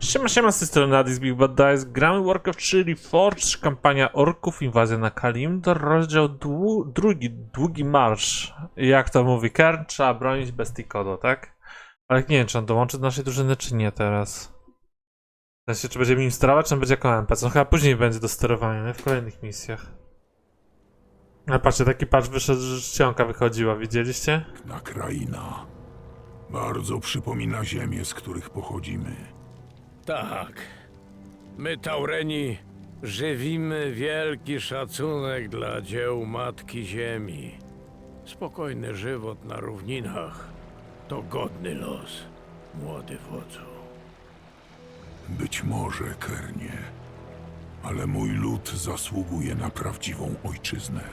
Siema, z tej strony Adis Big Bad Dice. Gramy Warcraft 3 Reforged, kampania orków, inwazja na Kalimdor, rozdział drugi, długi marsz. Jak to mówi Kern, trzeba bronić bestii Kodo, tak? Ale nie wiem, czy on dołączy do naszej drużyny, czy nie teraz. W sensie, czy będziemy nim sterować, czy on będzie jako NPC? No chyba później będzie do sterowania, nie? W kolejnych misjach. Ale patrzcie, taki patch wyszedł, że czcionka wychodziła, widzieliście? Na kraina. Bardzo przypomina ziemię, z których pochodzimy. Tak. My, Taureni, żywimy wielki szacunek dla dzieł Matki Ziemi. Spokojny żywot na równinach to godny los, młody wodzu. Być może, Kernie, ale mój lud zasługuje na prawdziwą ojczyznę.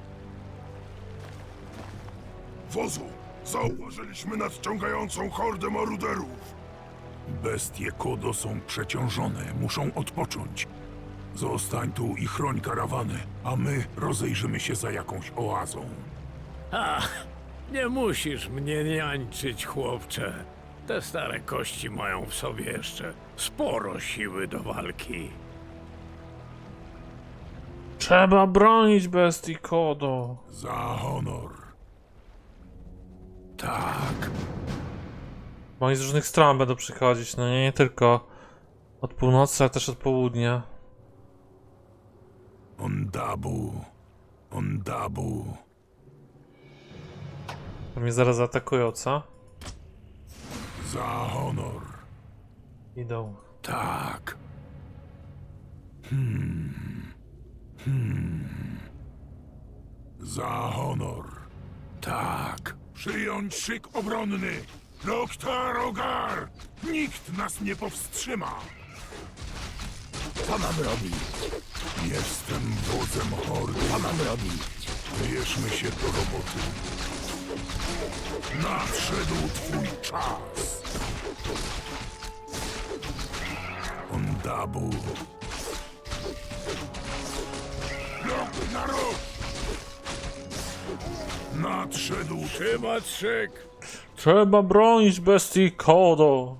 Wozu! Zauważyliśmy nadciągającą hordę maruderów! Bestie Kodo są przeciążone, muszą odpocząć. Zostań tu i chroń karawany, a my rozejrzymy się za jakąś oazą. Ach, nie musisz mnie niańczyć, chłopcze. Te stare kości mają w sobie jeszcze sporo siły do walki. Trzeba bronić bestii Kodo. Za honor. Tak. Bo oni z różnych stron będą przychodzić, no nie tylko od północy, ale też od południa. Ondabu. Ondabu. To mnie zaraz zaatakują, co? Za honor. Idą. Tak. Za honor. Tak. Przyjąć szyk obronny. Loktar Ogar! Nikt nas nie powstrzyma. Co mam robić? Jestem wodzem hordy. Co mam robić? Bierzmy się do roboty. Nadszedł twój czas. Ondabu. Lok na rok! Nadszedł Trzymać szyk! Trzeba bronić bestii Kodo.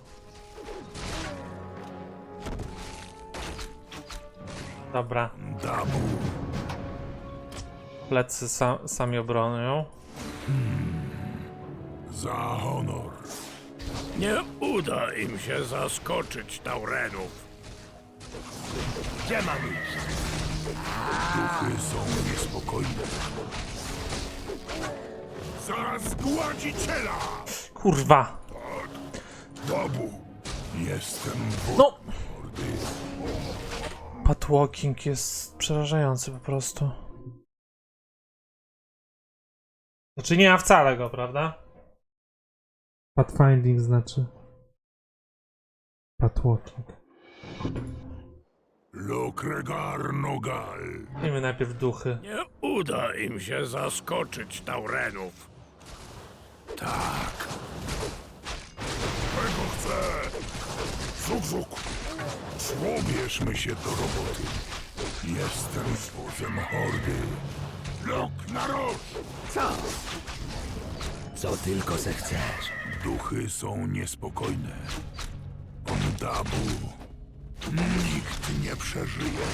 Dobra, Dabu. plecy sami obronią. Za honor. Nie uda im się zaskoczyć Taurenów. Gdzie mam iść? Duchy są niespokojne. Za zgładziciela! Kurwa! Dabu. Jestem wodzem No! hordy. Pathwalking jest przerażający po prostu. Znaczy nie ma wcale go, prawda? Pathfinding znaczy. Pathwalking. Lokregar Nogal. Miejmy najpierw duchy. Nie uda im się zaskoczyć Taurenów. Tak. Czego chcę? Zuk, zuk! Bierzmy się do roboty. Jestem wodzem hordy. Lok na rok! Co tylko zechcesz. Duchy są niespokojne. Ondabu. Nikt nie przeżyje.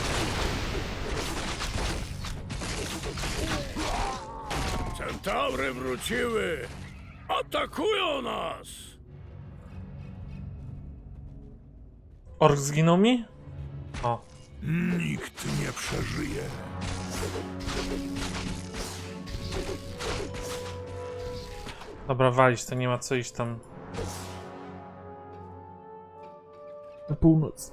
Centaury wróciły! Atakują nas! Ork zginął mi? O. Nikt nie przeżyje. Dobra, walić, to nie ma co iść tam. Na północ.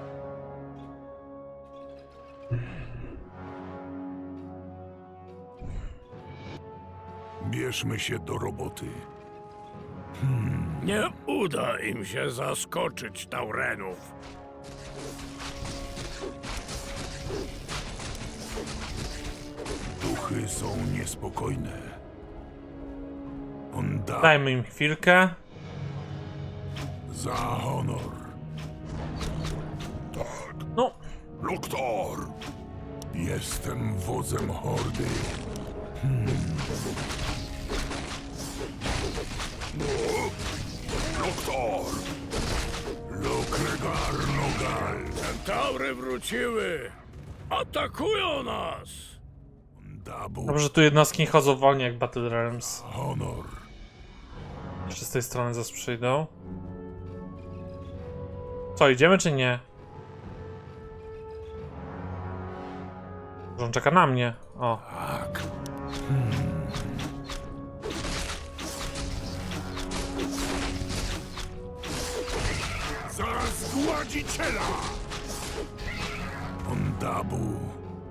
Bierzmy się do roboty. Nie uda im się zaskoczyć Taurenów. Duchy są niespokojne. Ondabu. Dajmy im chwilkę. Za honor. No, Loktar! Jestem wodzem hordy. Loktar! Lokregar Centaury wróciły! Atakują nas! Dabu, Dobrze, tu jednostki nie chodzą wolniej jak Battle Realms. honor. Jeszcze z tej strony zaraz przyjdą. Co, idziemy czy nie? Może on czeka na mnie. O. Tak. Za zgładziciela! Ondabu.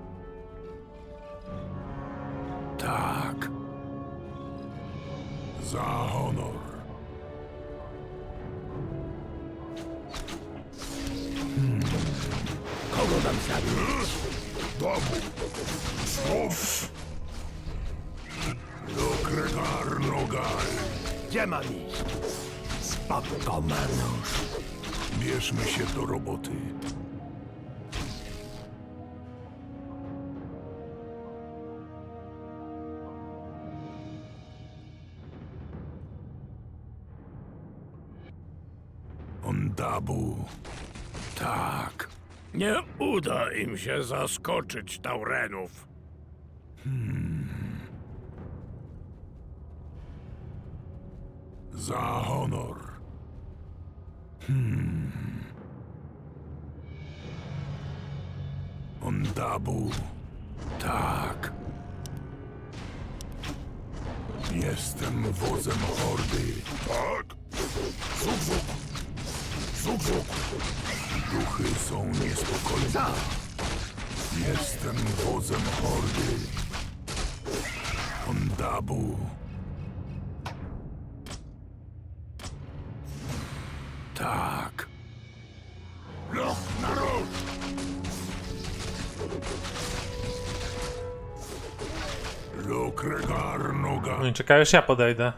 Tak. Za honor. Kogo mam zabić? Dabu! Słów! Lokregar Nogal. Gdzie mam iść? Spoko, Manusz. Bierzmy się do roboty. Ondabu. Tak. Nie uda im się zaskoczyć Taurenów. Za honor. Ondabu. Tak. Jestem wodzem hordy. Tak? Zuk! Zuk! Duchy są niespokojne. Jestem wodzem hordy. Ondabu. Tak. Loch na róg! Lokregar Noga. No i czekaj, aż ja podejdę.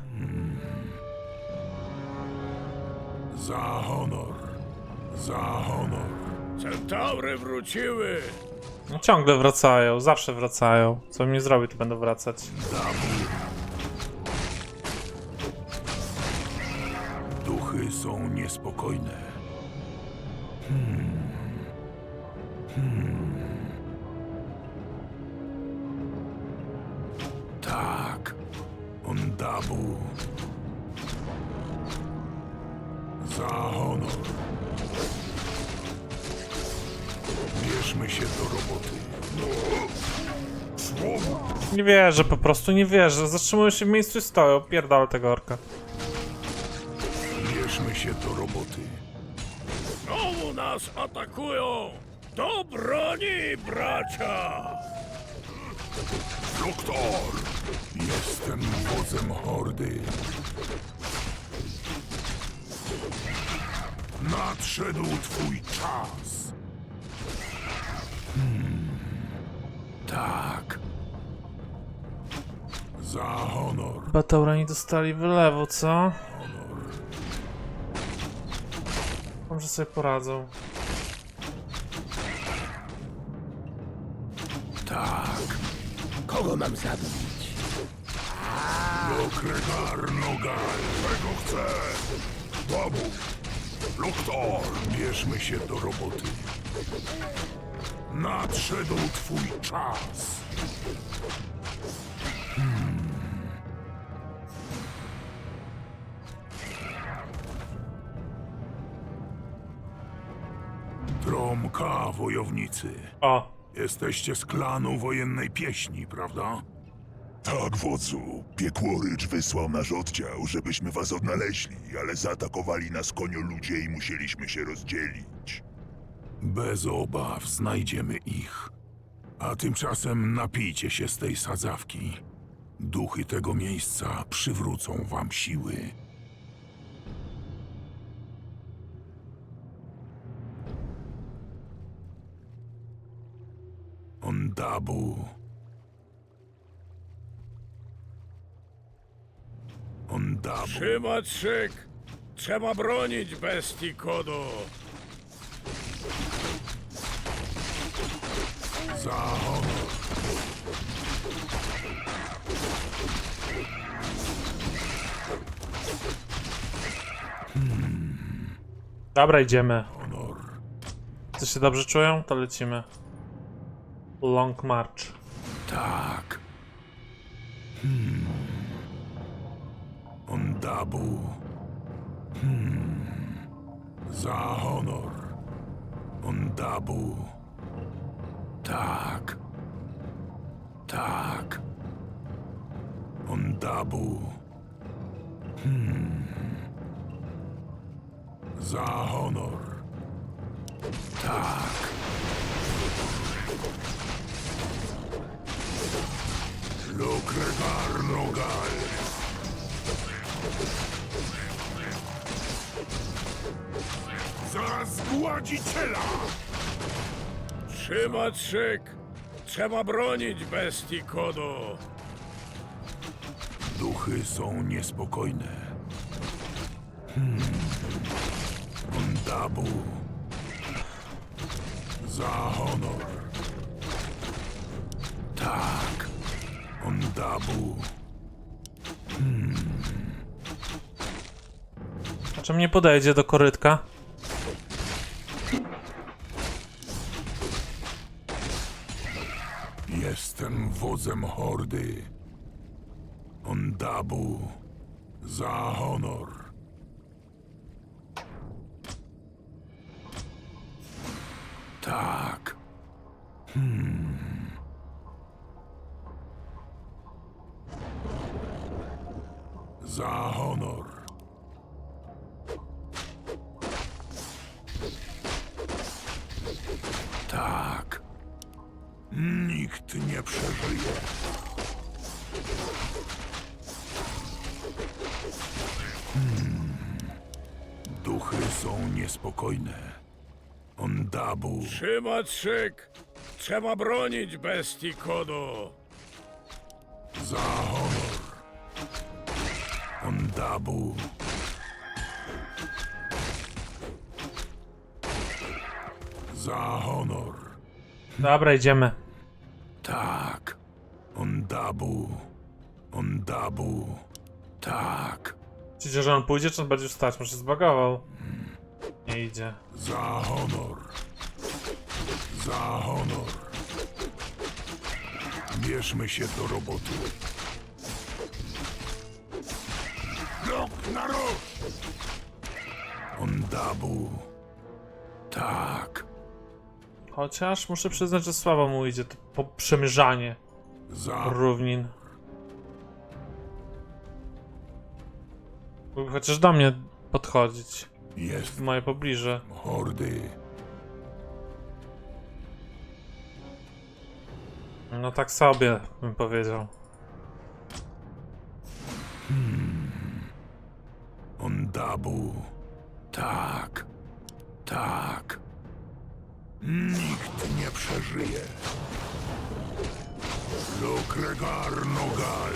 Za honor. Za honor. Centaury wróciły! No ciągle wracają, zawsze wracają. Co mi nie zrobi, to będą wracać. Duchy są niespokojne. Tak. Ondabu. Za honor. Bierzmy się do roboty. Słów! Nie wierzę, po prostu nie wierzę. Zatrzymują się w miejscu i stoją. Pierdolę tego orka. Bierzmy się do roboty. Znowu nas atakują! Do broni, bracia! Doktor! Jestem wodzem hordy. Nadszedł twój czas! Tak. Za honor. Chyba Taurani dostali wylewu, co? Może sobie poradzą. Tak. Kogo mam zabić? Lokregar Nogal. Czego chcę? Dabu! Doktor! Bierzmy się do roboty. Nadszedł twój czas! Tromka, wojownicy. O, Jesteście z klanu wojennej pieśni, prawda? Tak, wodzu. Piekłorycz wysłał nasz oddział, żebyśmy was odnaleźli, ale zaatakowali nas konioludzie i musieliśmy się rozdzielić. Bez obaw znajdziemy ich. A tymczasem napijcie się z tej sadzawki. Duchy tego miejsca przywrócą wam siły. Ondabu. Ondabu. Trzymać szyk! Trzeba bronić bestii Kodo! Za honor. dobra, idziemy. Honor. Wszyscy się dobrze czują? To lecimy. Long March. Tak. Ondabu. Za honor. Ondabu. Tak. Tak. Ondabu. Za honor. Tak. Lokregar Nogal. Za zgładziciela! Trzymać szyk! Trzeba bronić bestii Kodo! Duchy są niespokojne. Ondabu. Za honor. Tak. Ondabu. A czym nie podejdzie do korytka? Jestem wodzem hordy. Ondabu. Za honor. Tak. Za honor. Tak. Nikt nie przeżyje. Duchy są niespokojne. Ondabu. Trzymać szyk! Trzeba bronić bestii Kodo! Za honor. Ondabu. Za honor. Dobra, idziemy. Tak. Ondabu. Ondabu. Tak. Myślicie, że on pójdzie, czy on będzie wstać? Może się zbagował. Nie idzie. Za honor. Za honor. Bierzmy się do roboty. Rok na rok! Ondabu. Tak. Chociaż muszę przyznać, że słabo mu idzie to przemierzanie Za równin. Mógłby chociaż do mnie podchodzić. jest W moje pobliże. hordy. No tak sobie bym powiedział. Ondabu. Tak. Tak. Nikt nie przeżyje. Lokregar Nogal.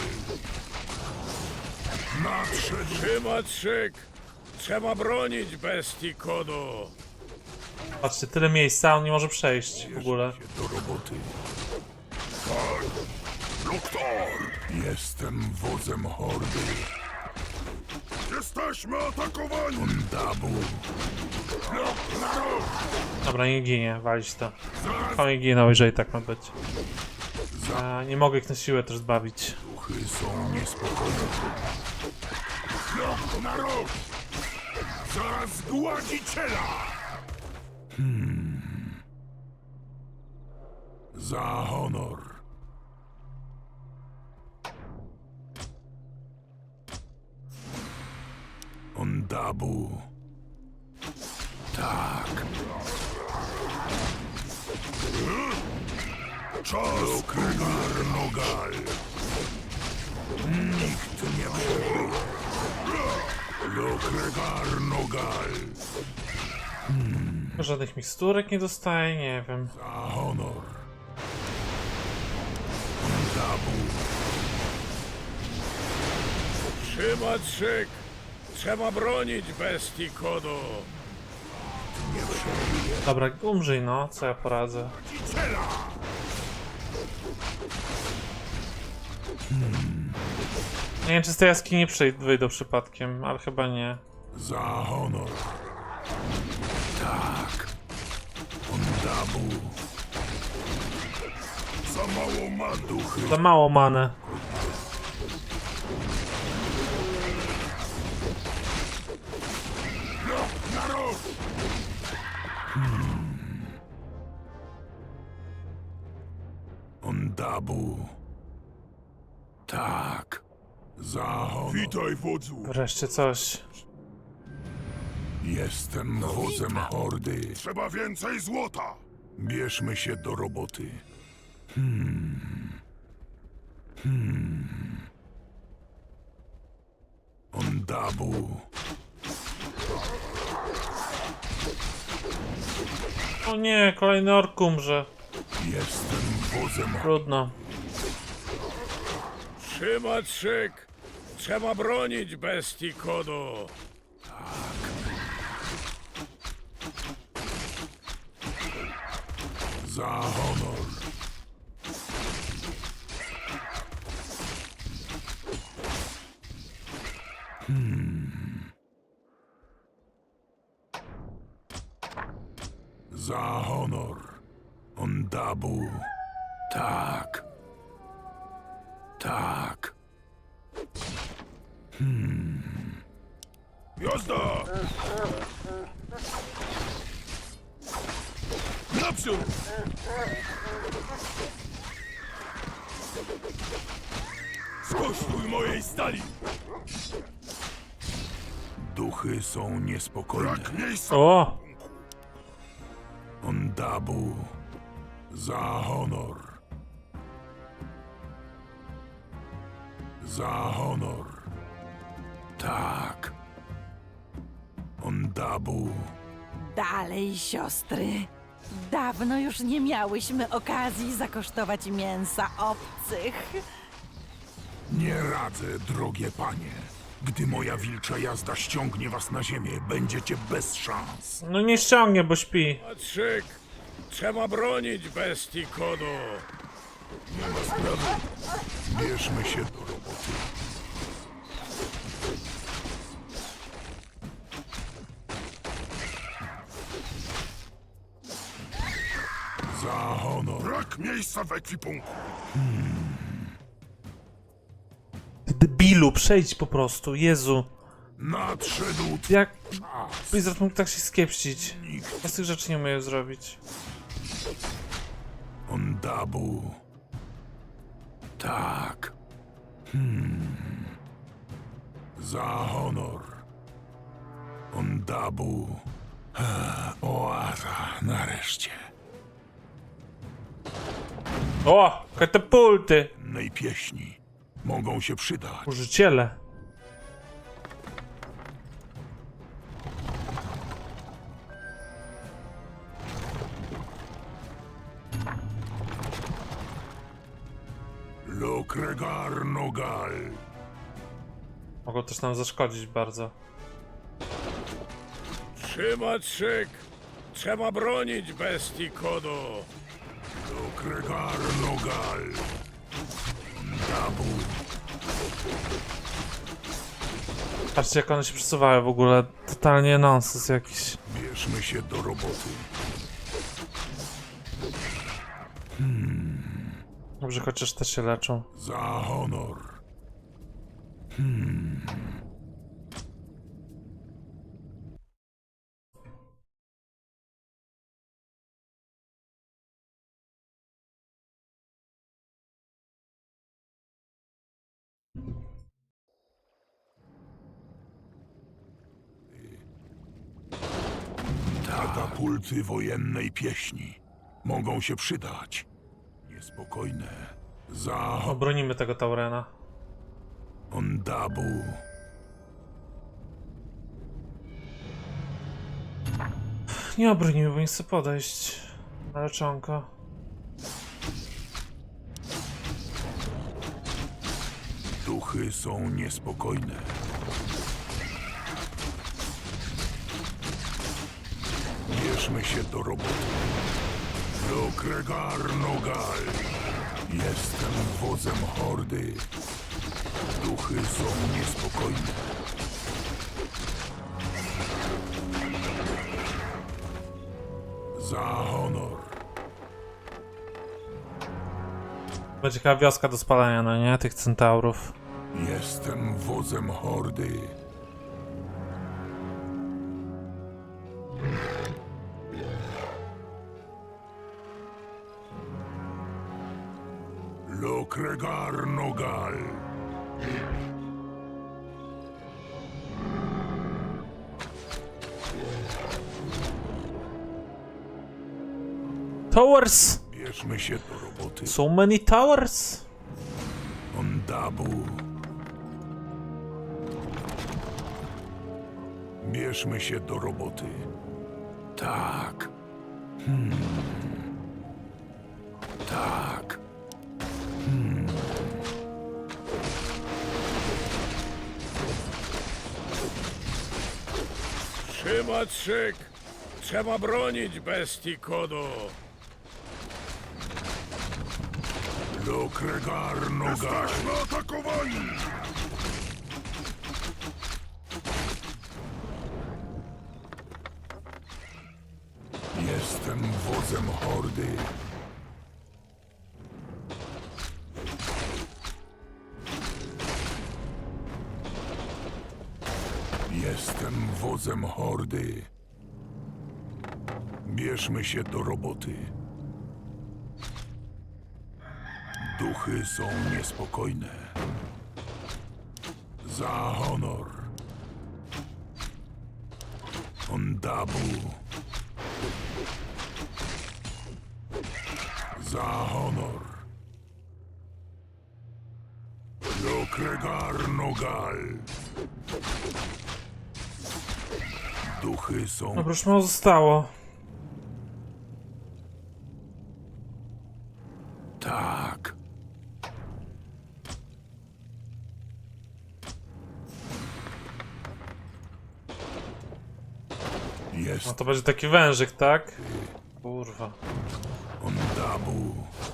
Nadszedł. Trzymać szyk! Trzeba bronić bestii Kodo! Patrzcie, tyle miejsca, a on nie może przejść w ogóle. Bierzmy się do roboty. Tak. Loktor! Jestem wodzem hordy. Jesteśmy atakowani! Ondabu. Rok na rok! Dobra, nie ginie, walić to. On nie ginął, jeżeli tak ma być. A, nie mogę ich na siłę też zbawić. Duchy są niespokojne. Rok na rok! Za zgładziciela! Za honor. Ondabu. Tak. Czas! Lokregar Nogal. Nikt nie przeżyje. Lokregar Nogal. Żadnych miksturek nie dostaje, nie wiem. Za honor. Ondabu. Trzymać szyk! Trzeba bronić bestii Kodo! Nie przeżyje. Dobra, umrzyj no, co ja poradzę. Cela! Nie wiem, czy z tej jaskini wyjdą przypadkiem, ale chyba nie. Za honor. Tak. Ondabu. Za mało man. Duchy Za mało many. Na roż! Ondabu. Tak. Za honor. Witaj, wodzu. Wreszcie coś. Jestem wodzem hordy. Trzeba więcej złota. Bierzmy się do roboty. Ondabu. O nie, kolejny ork umrze. Jestem wodzem hordy. Trudno. Trzymać szyk! Trzeba bronić bestii Kodo! Za honor. Za honor. Ondabu. Tak. Tak. Jazda! Naprzód! Skosztuj mojej stali! Duchy są niespokojne. Brak miejsca! O! Ondabu. Za honor. Za honor. Tak. Ondabu. Dalej, siostry. Dawno już nie miałyśmy okazji zakosztować mięsa obcych. Nie radzę, drogie panie. Gdy moja wilcza jazda ściągnie was na ziemię, będziecie bez szans. No nie ściągnie, bo śpi. Trzymać szyk! Trzeba bronić bestii Kodo! Nie ma sprawy. Bierzmy się do roboty. Za honor. Brak miejsca w ekwipunku! Ty debilu, przejdź po prostu, Jezu. Nadszedł Jak czas. Blizzard mógł tak się skiepścić? Nikt. Ja z tych rzeczy nie umiem zrobić. Ondabu. Tak. Za honor. Ondabu. Oaza, nareszcie. O! Katapulty! Nej pieśni mogą się przydać. Użyciele. Lokregar Nogal. Mogą też nam zaszkodzić bardzo. Trzymać szyk! Trzeba bronić bestii Kodo! Lokregar Nogal. Ondabu. Patrzcie, jak one się przesuwają w ogóle. Totalnie nonsens jakiś. Bierzmy się do roboty. Dobrze, chociaż też się leczą. Za honor. Katapulty wojennej pieśni mogą się przydać. Niespokojne. Za Obronimy tego Taurena. Ondabu. Nie obronimy, bo nie chcę podejść. Na leczonko. Duchy są niespokojne. Bierzmy się do roboty. Lokregar Nogal. Jestem wodzem hordy. Duchy są niespokojne. Za honor. Będzie jaka wioska do spalania, no nie? Tych centaurów. Jestem wodzem hordy. Lokregar Nogal. Towers! Bierzmy się do roboty. So many towers! Ondabu. Bierzmy się do roboty. Tak. Tak. Trzymać szyk! Trzeba bronić bestii Kodo! Lokregar Nogal. Jesteśmy atakowani! Jestem wodzem hordy. Jestem wodzem hordy. Bierzmy się do roboty. Duchy są niespokojne. Za honor. Ondabu. Za honor. Lokregar Nogal. Duchy są... Dobra, już mało zostało. Tak. No Jest to będzie taki wężyk, tak? Kurwa. Ondabu.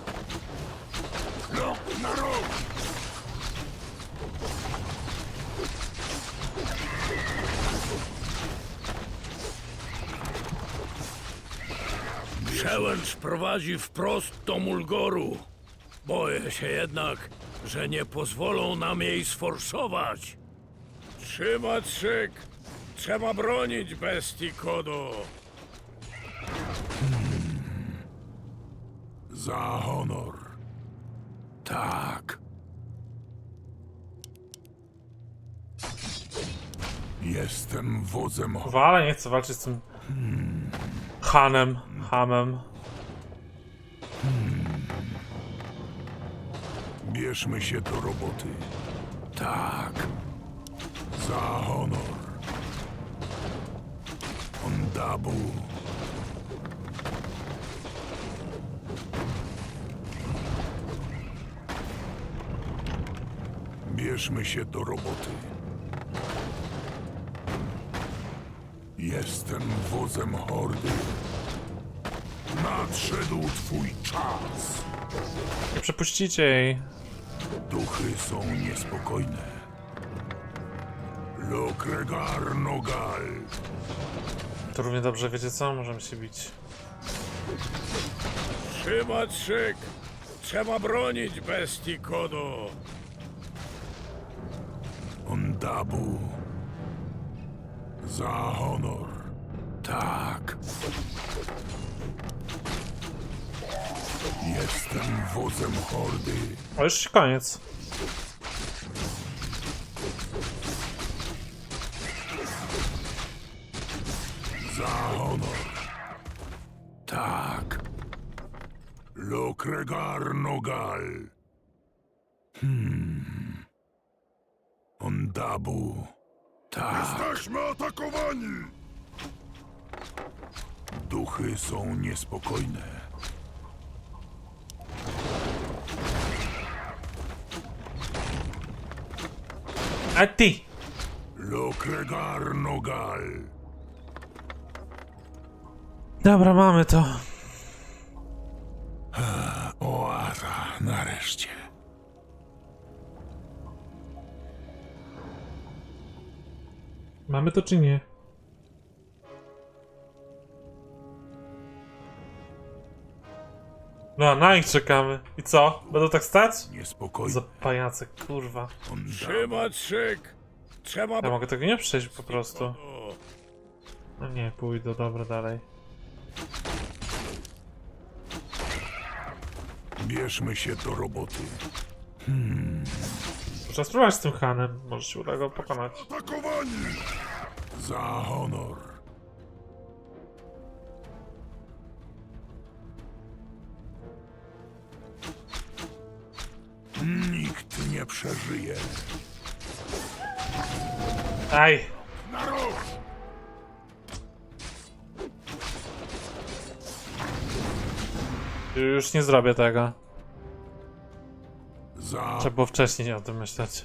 No, na rok! Przełęcz prowadzi wprost do Mulgoru. Boję się jednak, że nie pozwolą nam jej sforsować. Trzymać szyk! Trzeba bronić bestii Kodo! Za honor. Tak. Jestem wodzem honor. Kurwa, ale nie chcę walczyć z tym... Hamem. Bierzmy się do roboty. Tak. Za honor. Ondabu. Bierzmy się do roboty. Jestem wodzem hordy. Nadszedł twój czas. Nie przepuścicie jej. Duchy są niespokojne. Lokregar Nogal. To równie dobrze, wiecie co? Możemy się bić. Trzymać szyk! Trzeba bronić bestii Kodo! Ondabu. Za honor. Tak. Jestem wodzem hordy. O, już koniec. Za honor. Tak. Lokregar Nogal. Ondabu. Tak. Jesteśmy atakowani! Duchy są niespokojne. A ty! Lokregar Nogal. Dobra, mamy to. Oaza, nareszcie. Mamy to czy nie? No a na nich czekamy. I co? Będą tak stać? Niespokojny. Za pajace, kurwa. On Trzymać szyk! Trzeba Ja mogę tego nie przejść po prostu. O, No nie, pójdę, dobra, dalej. Bierzmy się do roboty. Trzeba spróbować z tym Hanem, może się uda go pokonać. Atakowani! Za honor. Nikt nie przeżyje. Aj! Na rok! Już nie zrobię tego. Za... Trzeba było wcześniej o tym myśleć.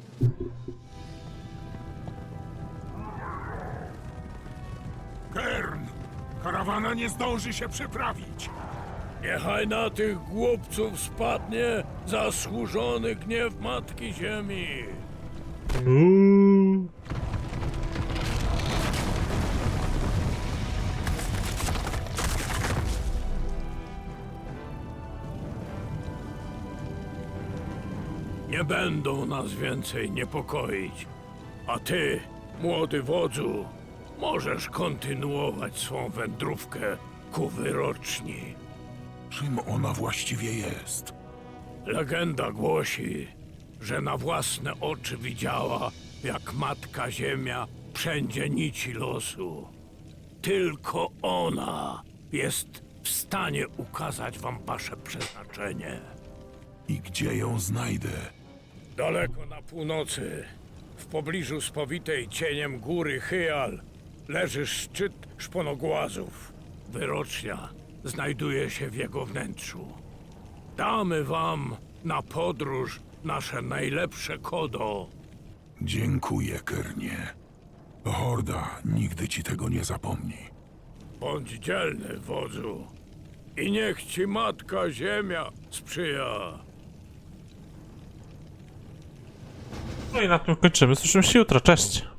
Kern! Karawana nie zdąży się przeprawić. niechaj na tych głupców spadnie zasłużony gniew Matki Ziemi. Nie będą nas więcej niepokoić. A ty, młody wodzu, możesz kontynuować swą wędrówkę ku wyroczni. Czym ona właściwie jest? Legenda głosi, że na własne oczy widziała, jak Matka Ziemia przędzie nici losu. Tylko ona jest w stanie ukazać wam wasze przeznaczenie. I gdzie ją znajdę? Daleko na północy, w pobliżu spowitej cieniem góry Hyal, leży szczyt szponogłazów. Wyrocznia znajduje się w jego wnętrzu. Damy wam na podróż nasze najlepsze kodo. Dziękuję, Kernie. Horda nigdy ci tego nie zapomni. Bądź dzielny, wodzu. I niech ci Matka Ziemia sprzyja. No i na tym kończymy. Słyszymy się jutro. Cześć!